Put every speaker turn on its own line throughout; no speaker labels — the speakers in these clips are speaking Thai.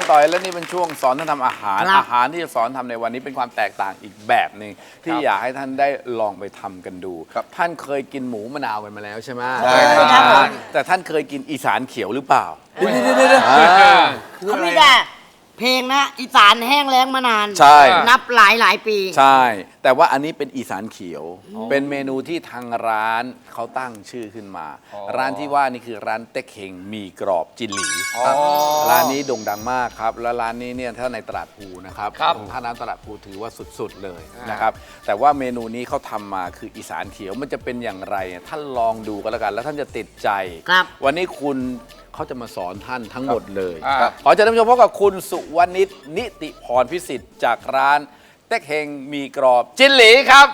ต่อแล้วนี่เป็นช่วงสอนท่านทำอาหารอาหารที่จะสอนทำในวันนี้เป็นความแตกต่างอีกแบบหนึ่งที่อยากให้ท่านได้ลองไปทำกันดูท่านเคยกินหมูมะนาวกันมาแล้วใช่ไหมใช่ครับแต่ท่านเคยกินอีสานเขียวหรือเปล่าเดี๋ยว
เขาไม่ได้เพลงนะอีสานแห้งแล้งมานาน
ใช่
นับหลายปี
ใช่แต่ว่าอันนี้เป็นอีสานเขียวเป็นเมนูที่ทางร้านเขาตั้งชื่อขึ้นมาร้านที่ว่านี่คือร้านเต็กเฮงมีกรอบจินหลีร้านนี้โด่งดังมากครับแล้วร้านนี้เนี่ยถ้าในตลาดภูนะครับถ้าน้ำตลาดภูถือว่าสุดๆเลยนะครับแต่ว่าเมนูนี้เขาทำมาคืออีสานเขียวมันจะเป็นอย่างไรท่านลองดูกันแล้วกันแล้วท่านจะติดใจวันนี้คุณเขาจะมาสอนท่านทั้งหมดเลยขอเชิญท่านผู้ชมพบกับคุณสุวรรณิชนิติพรพิสิทธิ์จากร้านเต็กเฮงมีกรอบจินหลีครับ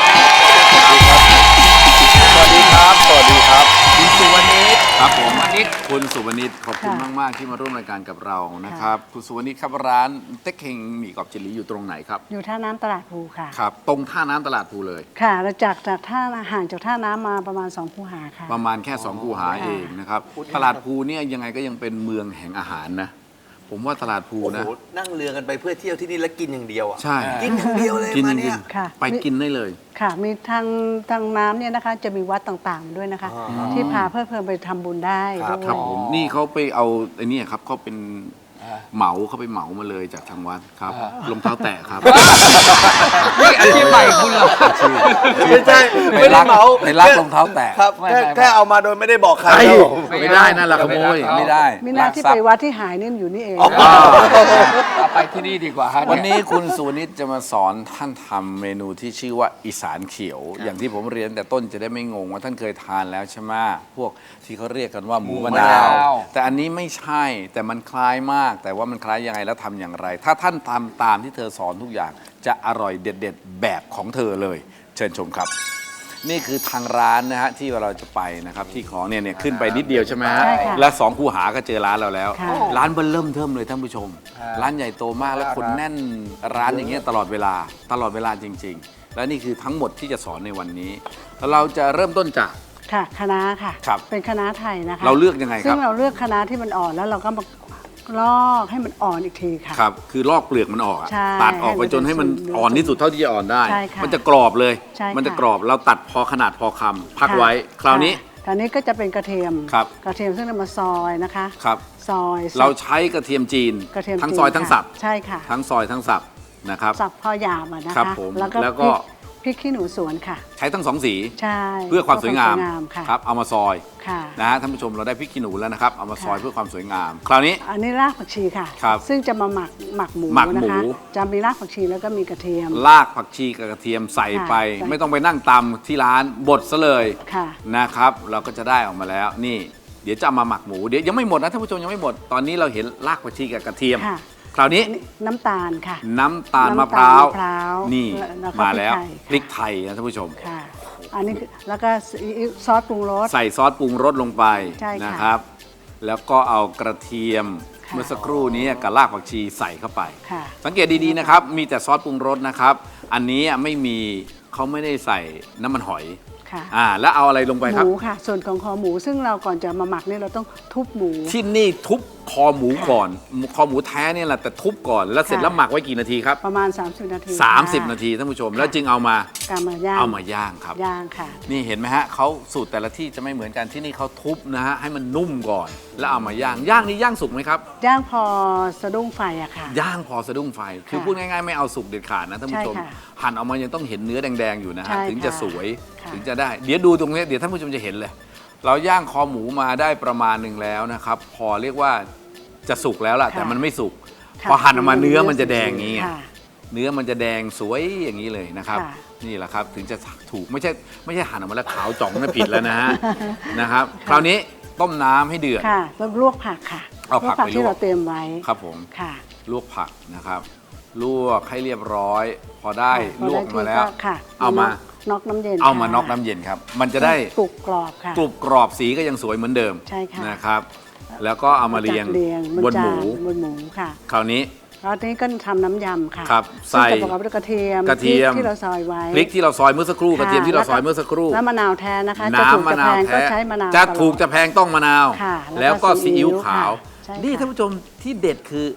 สวัสดีครับสวัสดีครับคุณสุวรรณิชครับผมคุณสุวรรณิชขอบคุณมากๆที่มาร่วมรายการกับเรานะครับคุณสุวรรณิชครับร้านเต็กเฮงมีกรอบจินหลีอยู่ตรงไหนครับ
อยู่ท่าน้ำตลาดภูค่ะ
ครับตรงท่าน้ำตลาดภูเลย
ค่ะเราจากท่าห่างจากท่าน้ำมาประมาณ2 คูหาค่ะ
ประมาณแค่2 คูหาเองนะครับตลาดภูเนี่ยยังไงก็ยังเป็นเมืองแห่งอาหารนะผมว่าตลาดภูนะ
นั่งเรือกันไปเพื่อเที่ยวที่นี่แล้วกินอย่างเดียวอ่ะ
ใช่
กินอย่างเดียวเลยมาเนี่ย
ไปกินได้เลย
ค่ะมีทางน้ำเนี่ยนะคะจะมีวัดต่างๆด้วยนะคะที่พาเพื่อไปทำบุญได้ด้วย
ครับผมนี่เขาไปเอาไอ้นี่ครับเขาเป็นเขาไปเหมามาเลยจากทางวัดครับรองเท้าแตะครับ
นี่อาชีพใหม่คุณเหรอไม่ใช่ไม่ได้เหมา
ไปรักรองเท้าแตะ
ครับแค่เอามาโดยไม่ได้บอกใคร
ไม่ได้นั่นแหละขโมยไม่ได้
มีหน้าที่ไปวัดที่หายนี่อยู่นี่เอง
ไปที่นี่ดีกว่า
วันนี้คุณสุวรรณิชจะมาสอนท่านทำเมนูที่ชื่อว่าอีสานเขียวอย่างที่ผมเรียนแต่ต้นจะได้ไม่งงว่าท่านเคยทานแล้วใช่ไหมพวกที่เขาเรียกกันว่าหมูมะนาวแต่อันนี้ไม่ใช่แต่มันคล้ายมากแต่ว่ามันคล้ายยังไงแล้วทำอย่างไรถ้าท่านทำตามที่เธอสอนทุกอย่างจะอร่อยเด็ดๆแบบของเธอเลยเชิญชมครับนี่คือทางร้านนะฮะที่เราจะไปนะครับที่ของเนี่ยขึ้นไปนิดเดียวใช่ไหมฮะและ2 คูหาก็เจอร้านเราแล้วร้านเบิ่มเริ่มเทิมเลยท่านผู้ชมร้านใหญ่โตมากและคนแน่นร้านอย่างเงี้ยตลอดเวลาจริงๆและนี่คือทั้งหมดที่จะสอนในวันนี้เราจะเริ่มต้นจาก
ค่ะคะน้าค่ะเป็นคะน้าไทยนะคะ
เราเลือกยังไงครับ
ซึ่งเราเลือกคะน้าที่มันอ่อนแล้วเราก็มาลอกให้มันอ่อนอีกทีค่ะ
ครับคือลอกเปลือกมันออกตัดออกไปจนให้มันอ่อนที่สุดเท่าที่จะอ่อนได้มันจะกรอบเลยมันจะกรอบเราตัดพอขนาดพอคำพักไว้คราวนี้
ก็จะเป็นกระเทียมซึ่งเรามาซอยนะคะ
ครับ
ซอย
เราใช้กระเทียมจีนทั้งซอยทั้งสับ
ใช่ค่ะ
ทั้งซอยทั้งสับนะครับ
สับพอหยาบนะคะ
แล้วก็
พริกขี้หนูสวนค่ะ
ใช้ทั้ง2 สี
ใช่
เพื่อความสวยงาม
ครับ
เอามาซอยนะฮะท่านผู้ชมเราได้พริกขี้หนูแล้วนะครับเอามาซอยเพื่อความสวยงามคราวนี้
อันนี้รากผักชีค่ะซึ่งจะมาหมักหมูนะคะจะมีรากผักชีแล้วก็มีกระเทียม
รากผักชีกับกระเทียมใส่ไปไม่ต้องไปนั่งตำที่ร้านบดซะเลยนะครับเราก็จะได้ออกมาแล้วนี่เดี๋ยวจะมาหมักหมูเดี๋ยวยังไม่หมดนะท่านผู้ชมยังไม่หมดตอนนี้เราเห็นรากผักชีกับกระเทียมคราวนี้
น้ำตาลค่ะ
น้ำตาลมะพร้าวนี่มาแล้วพริกไทยนะท่านผู้ชม
ค่ะอันนี้แล้วก็ซอสปรุงรส
ใส่ซอสปรุงรสลงไปนะครับแล้วก็เอากระเทียมเมื่อสักครู่นี้กับรากผักชีใส่เข้าไปสังเกตดีๆนะครับมีแต่ซอสปรุงรสนะครับอันนี้ไม่มีเขาไม่ได้ใส่น้ำมันหอยแล้วเอาอะไรลงไปครับ
หมูค่ะส่วนของคอหมูซึ่งเราก่อนจะมาหมักเนี่ยเราต้องทุบหมู
ที่นี่ทุบคอหมูก่อนคอหมูแท้เนี่ยแหละแต่ทุบก่อนแล้วเสร็จแล้วหมักไว้กี่นาทีครับ
ประมาณ30 นาที
30 นาทีท่านผู้ชมแล้วจึงเอามาย่างครับ
ย่างค่ะ
นี่เห็นไหมฮะเขาสูตรแต่ละที่จะไม่เหมือนกันที่นี่เขาทุบนะฮะให้มันนุ่มก่อนแล้วเอามาย่างนี่ย่างสุกไหมครับ
ย่างพอสะดุ้งไฟอะค่ะ
ย่างพอสะดุ้งไฟคือพูดง่ายๆไม่เอาสุกเด็ดขาดนะท่านผู้ชมหั่นออกมายังต้องเห็นเนื้อแดงๆอยู่นะฮะถึงจะสวยถึงจะได้เดี๋ยวดูตรงนี้เดี๋ยวท่านผู้ชมจะเห็นเลยเราย่างคอหมูมาได้ประมาณหนึ่งแล้วนะครับพอเรียกว่าจะสุกแล้วล่ะแต่มันไม่สุกพอหั่นออกมาเนื้อมันจะแดงอย่างนี้เนื้อมันจะแดงสวยอย่างนี้เลยนะครับนี่แหละครับถึงจะถูกไม่ใช่หั่นออกมาแล้วขาวจ่องนั่นผิดแล้วนะฮะนะครับคราวนี้ต้มน้ำให้เดือด
ค่ะแล้วลวกผักค่ะ
เอาผักไปลวก
ที่เราเตรียมไว้
ครับผมลวกผักนะครับลวกให้เรียบร้อยพอได้ลวกมาแล้วเอามา
น็อกน้ำเย็น
เอามาน็อกน้ำเย็นครับมันจะได้
กรุบกรอบค่ะ
กรุบกรอบสีก็ยังสวยเหมือนเดิม
ใช่ค่ะ
นะครับแล้วก็เอามาเรียงบนหมู
ค่ะ
คราวนี้
ก็ทำน้ำยำค่ะ
ครับใส่
ประกอบด้วยกระเทียมที่เราซอยไว้
พริกที่เราซอยเมื่อสักครู่กระเทียมที่เราซอยเมื่อสักครู่
น้ำมะนาวแท้นะคะจะถูกจะแพงก็ใช้มะนาว
จะถูกจะแพงต้องมะนาวแล้วก็ซีอิ๊วขาวนี่ท่านผู้ชมที่เด็ดคือ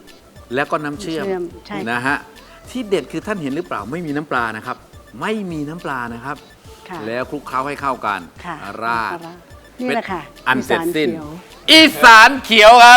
แล้วก็น้ำเชื่อม
ใช่ค่ะ
นะฮะที่เด็ดคือท่านเห็นหรือเปล่าไม่มีน้ำปลานะครับ ไม่มีน้ำปลานะครับ
ค่ะ
แล้วคลุกเคล้าให้เข้ากัน
ค่ะ
ราด
นี่แหละค่ะ
อันเสร็จสิ้น
อีสานเขียว
อีสานเขียวครับ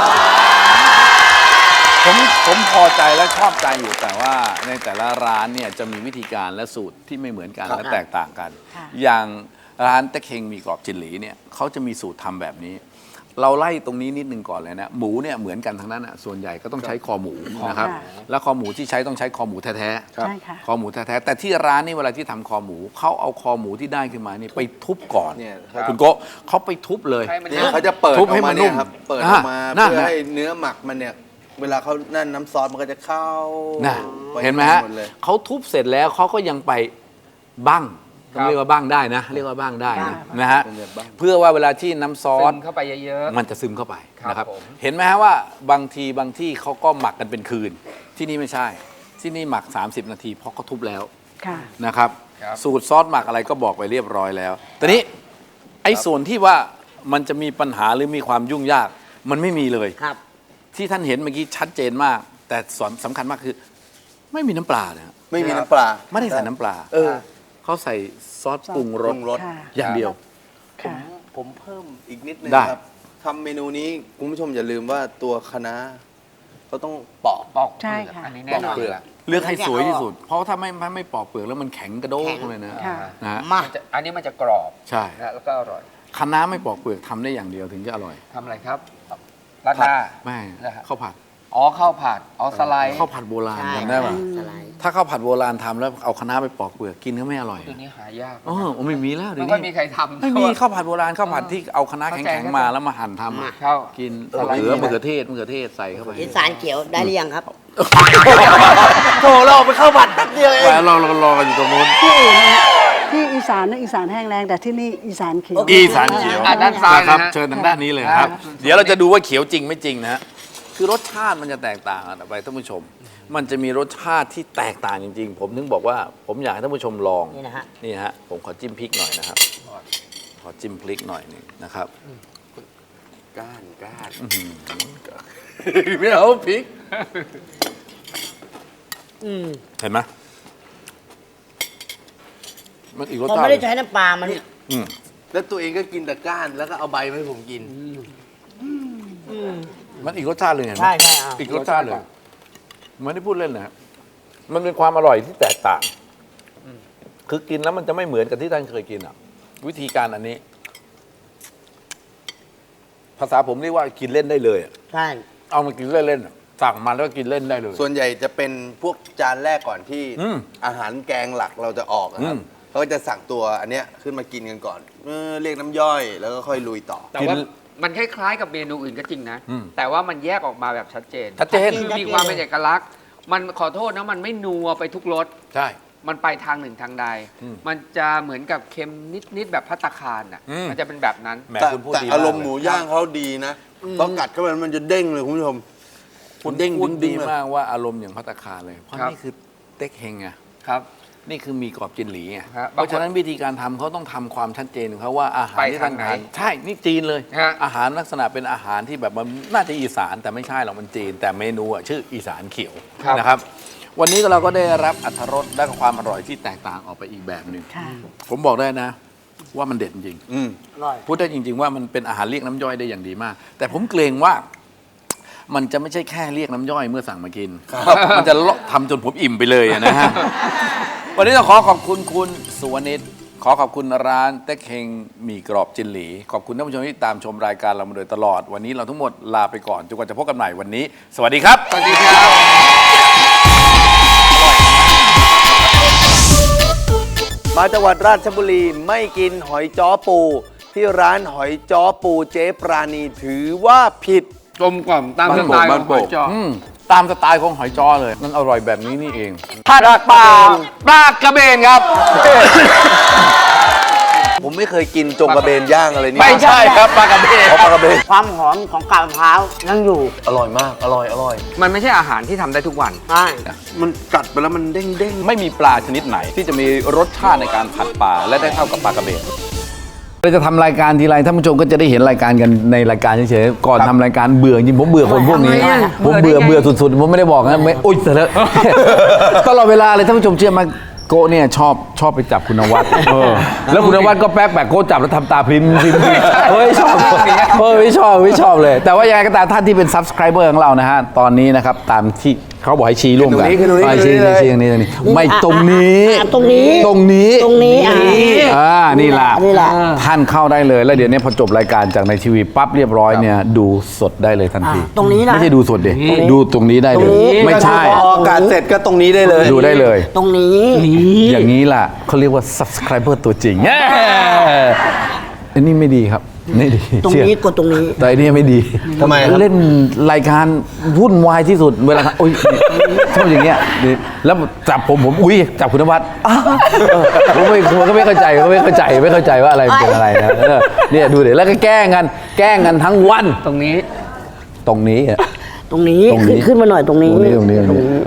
ผมพอใจและชอบใจอยู่แต่ว่าในแต่ละร้านเนี่ยจะมีวิธีการและสูตรที่ไม่เหมือนกันและแตกต่างกัน
ค่ะ
อย่างร้านตะเคงมีกรอบจินหลีเนี่ยเขาจะมีสูตรทำแบบนี้ เราไล่ตรงนี้นิดนึงก่อนเลยนะหมูเนี่ยเหมือนกันทั้งนั้นอ่ะส่วนใหญ่ก็ต้องใช้คอหมูนะครับ
ค่ะ
แล้วคอหมูที่ใช้ต้องใช้คอหมูแท้ๆ
ใช่ค่ะ
คอหมูแท้ๆแต่ที่ร้านนี่เวลาที่ทำคอหมูเขาเอาคอหมูที่ได้ขึ้นมานี่ไปทุบก่อน
เนี่ย
คุณโกะเขาไปทุบเลย
ให้มัน
เนี่ยเขาจะเปิดอ
ทุบ
อก
ให้มั
มาน
นุ่
เนี่ย
ม
ครับ เปิดออกมา
นั่น
เพื่อ
นะ
ให้เนื้อหมักมันเนี่ย เวลาเขานั่นน้ำซอสมันก็จะเข้า
นะ
ป
เห็นไหมฮะ
ดเลย
เขาทุบเสร็จแล้วเขาก็ยังไปบั้งต้องเรียกว่าบั้งได้นะ เรียกว่าบั้งได้นะนะฮะ
เป็นแบบบั้ง
เพื่อว่าเวลาที่น้ำซอ
ซึ
ส
มเข้าไปเยอะ
มันจะซึมเข้าไป
ครับ
นะครับ
ผม
เห็นไหมฮะว่าบางที่เขาก็หมักกันเป็นคืน ที่นี่ไม่ใช่ ที่นี่หมัก 30 นาทีเพราะเขาทุบแล้ว
ค่ะ
นะครับ
ครับ
สูตรซอสหมักอะไรก็บอกไปเรียบร้อยแล้วแต่นี้ไอ้ส่วนที่ว่ามันจะมีปัญหาหรือมีความยุ่งยากมันไม่มีเลย
ครับ
ที่ท่านเห็นเมื่อกี้ชัดเจนมาก แต่สำคัญมากคือ ไม่มีน้ำปลานะฮะ
ไม่มีน้ำปลา
ไม่ได้ใส่น้ำปลา
เออ
เขาใส่ซอสปรุงรส
ปรุงรส
ค่ะ
อย่างเดียว
ค่ะ
ผมเพิ่มอีกนิดนึง
ได้
ครับทำเมนูนี้คุณผู้ชมอย่าลืมว่าตัวคะน้าเขาต้องปอก
ๆปอก
ใช่ค่ะ
อันนี้แน่นอน
ปอกเปลือก
เลือกให้สวยที่สุด เพราะถ้าไม่ปอกเปลือกแล้วมันแข็งกระโดกเลยนะ
ค่ะ
นะฮะ
มา
อันนี้มันจะกรอบ
ใช่
นะแล้วก็อร่อย
คะน้าไม่ปอกเปลือกทำได้อย่างเดียวถึงจะอร่อย
ทำอะไรครับราดหน้า
ไม่
นะฮะ
ข้าวผัด
อ๋อข้าวผัดอ๋อสไลด์
ข้าวผัดโบราณ
ใช่
จำได้ป่ะ
สไลด์
ถ้าข้าวผัดโบราณทำแล้วเอาคะน้าไปปอกเปลือกกินก็ไม่อร่อย
เดี๋ยวนี้หายาก
อ๋อไม่มีแล้วเดี๋
ไม่
ยว
ค่อยมี
นี้
ใครทำ
ไม่มีข้าวผัดโบราณข้าวผัดที่เอาคะน้าแข็งๆมาแล้วมาหั่นทำอะ
ข้าว
กิน
สไลด์
มะเขือเทศใส่เข้าไป
อีสานเขียวได้หรือยังครับ
โถเราไปเข้าผัดแป๊บเดียวเอง
แล้วเรารอกันอยู่ตรงนู้น
ที่อื่นนะที่อีสานนะอีสานแห้งแรงแต่ที่นี่อีสานเขียว
อีสานเขียว
อ่ะด้านซ้าย
นะครับ
นะฮะ
เชิญทางด้านนี้เลยครับ เดี๋ยวเราจะดูว่าเขียวจริงไม่จริงนะฮะคือรสชาติมันจะแตกต่างกันออกไปท่านผู้ชม มันจะมีรสชาติที่แตกต่างจริง ๆ ผมถึงบอกว่าผมอยากให้ท่านผู้ชมลอง
นี่นะฮะ
นี่ฮะผมขอจิ้มพริกหน่อยนะครับขอจิ้มพริกหน่อยหนึงนะครับ
ก้าน
ไม่เอาพริกเห็นไหมมันอีกรส
ผม
ชาติ
ไม่ได้ใช้น้ำปลามัน
อืม
แล้วตัวเองก็กินแต่ก้านแล้วก็เอาใบมาให้ผมกิน
มันอีกรสชาติเลยเห็นไหม
ใช่ใช่อ่ะ
อีกรสชาติเลยไม่ได้พูดเล่นนะมันเป็นความอร่อยที่แตกต่าง คือกินแล้วมันจะไม่เหมือนกับที่ท่านเคยกินอ่ะ วิธีการอันนี้ ภาษาผมเรียกว่ากินเล่นได้เลยอะ
ใช่
เอามากินเล่นๆอะสั่งมาแล้วก็กินเล่นได้เลย
ส่วนใหญ่จะเป็นพวกจานแรกก่อนที่
อืม
อาหารแกงหลักเราจะออกนะครั
อื
บ
ม
เขาก็จะสั่งตัวอันเนี้ยขึ้นมากินกันก่อนเรียกน้ำย่อยแล้วก็ค่อยลุยต่อ
แต่ว่ามันคล้ายๆกับเมนูอื่นก็จริงนะ
อืม
แต่ว่ามันแยกออกมาแบบชัดเจน
ชัดเจน
คือมีความเป็นเอกลักษณ์ มันขอโทษนะมันไม่นัวไปทุกรส
ใช่
มันไปทางหนึ่งทางใด
อืม
มันจะเหมือนกับเค็มนิดๆแบบพัตตาคารอ่ะ
อืม
มันจะเป็นแบบนั้น
แหม
แต่
คุณพูด
แต่
ดี
อารมณ์
ก
ห
เล
มู
ย
ย่างเขาดีนะพอกัดเข้าไปมันจะเด้งเลยคุณผู้ชม
คุณ
เด้ง
พูด
ดึ
ดี
งๆเลย
มากว่าอารมณ์อย่างพัตตาคารเลย เพราะ
ครับ
นี่คือเต็กเฮงไง
ครับ
นี่คือมีกรอบจินหลีไง
ฮะ
เพราะฉะนั้นวิธีการทำเขาต้องทำความชัดเจนของเขาว่าอาหาร
ไป
ที่
ทา
ท่าง น
ไหน
ทานใช่นี่จีนเลย
ฮะ
อาหารลักษณะเป็นอาหารที่แบบมันน่าจะอีสานแต่ไม่ใช่หรอกมันจีน แต่เมนูอะชื่ออีสานเขียวนะครับ วันนี้เราก็ได้รับอรรถรสและความอร่อยที่แตกต่างออกไปอีกแบบหนึ่ง
ค่ะ
ผมบอกได้นะ ว่ามันเด็ดจริง
อืม
อร่อย
พูดได้จริง ๆ ว่ามันเป็นอาหารเรียกน้ำย่อยได้อย่างดีมาก แต่ผมเกรงว่ามันจะไม่ใช่แค่เรียกน้ำย่อยเมื่อสั่งมากิน มันจะทำจนผมอิ่มไปเลยอะนะฮะ วันนี้ต้องขอขอบคุณคุณสุวรรณิตขอขอบคุณร้านเต็กเฮงหมี่กรอบจินหลี ขอบคุณท่านผู้ชมที่ตามชมรายการเรามาโดยตลอด วันนี้เราทั้งหมดลาไปก่อนจนกว่าจะพบกันใหม่วันนี้ สวัสดีครับ
สวัสดีครับ
มาจังหวัดราชบุรีไม่กินหอยจ้อปู ที่ร้านหอยจ้อปูเจ๊ปราณีถือว่าผิด
กลมกล่อมตามสไตล์ของหอยจ้อ
ตามสไตล์ของหอยจ้อเลย มันอร่อยแบบนี้นี่เอง
ผัดปลากระเบนครับ
ผมไม่เคยกินจงกระเบนย่างอะไรนี่
ไม่ใช่ครับปลากระเบน
เพราะปลากระเบน
ความหอมของกาบมะพร้าวยังอยู่
อร่อยมาก อร่อย อร่อย
มันไม่ใช่อาหารที่ทำได้ทุกวัน
ใช่
มันกัดไปแล้วมันเด้งเด้ง
ไม่มีปลาชนิดไหนที่จะมีรสชาติในการผัดปลาและได้เท่ากับปลากระเบนเราจะทำรายการทีไรท่านผู้ชมก็จะได้เห็นรายการกันในรายการเฉยๆก่อนทำรายการเบื่อจริงผมเบื่อคนพวกนี้ ผมเบื่อสุดๆผมไม่ได้บอกนะไม่อุ๊ยแต่แล้ว ตลอดเวลาเลยท่านผู้ชมเชื่อไหมโกะเนี่ยชอบไปจับคุณนวัดแล้วคุณนวัดก็แป๊กโกะจับแล้วทำตาพริมเฮ้ยชอบไม่ชอบเลย แต่ว่ายังไงก็ตามท่านที่เป็น subscriber ของเรานะฮะตอนนี้นะครับตามที่เขาบอกให้ชี้ร่วมกันชี้ตรงนี้ไม่ตรงนี้ตรงนี้นี่แหละท่านเข้าได้เลยแล้วเดี๋ยวนี้พอจบรายการจากในทีวีปั๊บเรียบร้อยเนี่ยดูสดได้เลยทันที
ตรงนี้นะ
ไม่ใช่ดูสดดิดูตรงนี้ได้เลยไม่ใช่
พออากาศเสร็จก็ตรงนี้ได้เลย
ดูได้เลย
ตรงนี้
อย่างนี้ล่ะเขาเรียกว่า subscriber ตัวจริงอันนี้ไม่ดีครับไม่ดี
ตรงนี้กดตรงนี้
แต่อันนี้ไม่ดี
ทำไมครับ
เล่นรายการวุ่นวายที่สุดเวลาโอ้ยชอบอย่างเงี้ยแล้วจับผมอุ้ยจับคุณนวัดผมก็ไม่เข้าใจว่าอะไรเป็นอะไรนะเนี่ยดูเดี๋ยวแล้วก็แกล้งกันทั้งวัน
ตรงนี้
ตรงนี้
ตรงนี้ขึ้นมาหน่อยตรงนี้
ตรงนี้